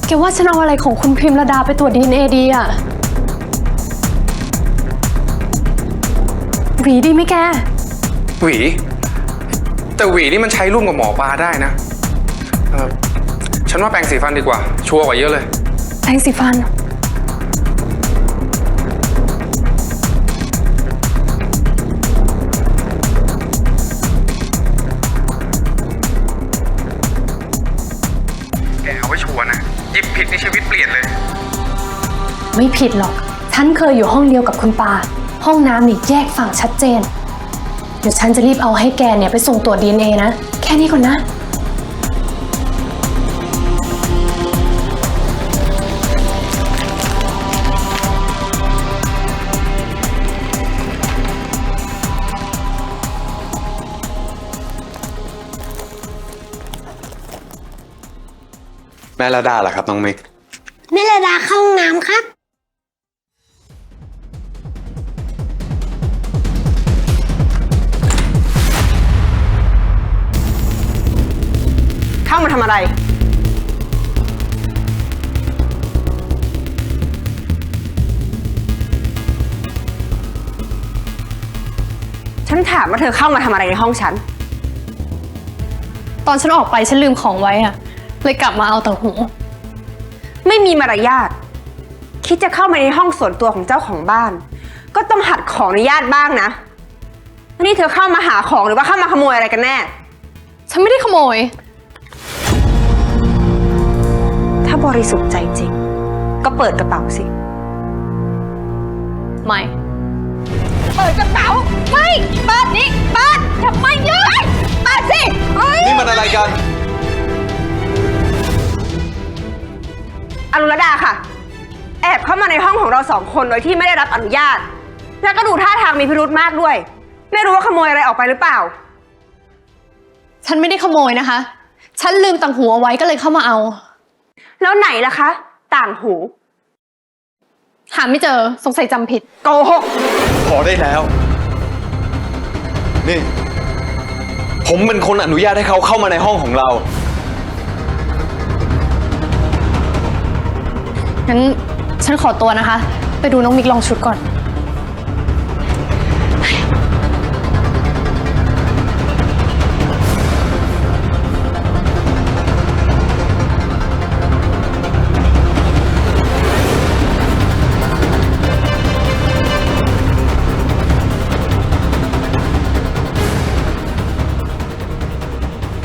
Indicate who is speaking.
Speaker 1: แกว่าฉันเอาอะไรของคุณพิมระดาไปตรวจ DNA ดีอะหวีดีไหมแก
Speaker 2: หวีแต่หวีนี่มันใช้ร่วมกับหมอปลาได้นะฉันว่าแปรงสีฟันดีกว่าชัวร์กว่าเยอะเลย
Speaker 1: แปรงสีฟัน
Speaker 2: แกเอาไว้ชัวร์นะหยิบผิดในชีวิตเปลี่ยนเลย
Speaker 1: ไม่ผิดหรอกฉันเคยอยู่ห้องเดียวกับคุณปาห้องน้ำนี่แยกฝั่งชัดเจนเดี๋ยวฉันจะรีบเอาให้แกเนี่ยไปส่งตรวจ DNA นะแค่นี้ก่อนนะ
Speaker 2: แม่ระดาล่ะครับน้องมิก
Speaker 3: แม่ระดาเข้าห้องน้ำครับ
Speaker 4: เข้ามาทำอะไรฉันถามว่าเธอเข้ามาทำอะไรในห้องฉัน
Speaker 1: ตอนฉันออกไปฉันลืมของไว้อะเลยกลับมาเอาแต่หู
Speaker 4: ไม่มีมารยาทคิดจะเข้ามาในห้องส่วนตัวของเจ้าของบ้านก็ต้องหัดขออนุญาตบ้างนะนี่เธอเข้ามาหาของหรือว่าเข้ามาขโมยอะไรกันแน่
Speaker 1: ฉันไม่ได้ขโมย
Speaker 4: ถ้าบริสุทธิ์ใจจริงก็เปิดกระเป๋าสิ
Speaker 1: ไม่
Speaker 4: เปิดกระเป๋าไม่เปิดนี่เปิดทำไมเยอะเปิดสิ
Speaker 2: นี่มันอะไรกัน
Speaker 4: อรุณดาค่ะแอบเข้ามาในห้องของเราสองคนโดยที่ไม่ได้รับอนุญาตแล้วก็ดูท่าทางมีพิรุธมากด้วยไม่รู้ว่าขโมยอะไรออกไปหรือเปล่า
Speaker 1: ฉันไม่ได้ขโมยนะคะฉันลืมต่างหูเอาไว้ก็เลยเข้ามาเอา
Speaker 4: แล้วไหนล่ะคะต่างหู
Speaker 1: หาไม่เจอสงสัยจำผิด
Speaker 4: โกหก
Speaker 2: พอได้แล้วนี่ผมเป็นคนอนุญาตให้เขาเข้ามาในห้องของเรา
Speaker 1: งั้นฉันขอตัวนะคะไปดูน้องมิกลองชุดก่อน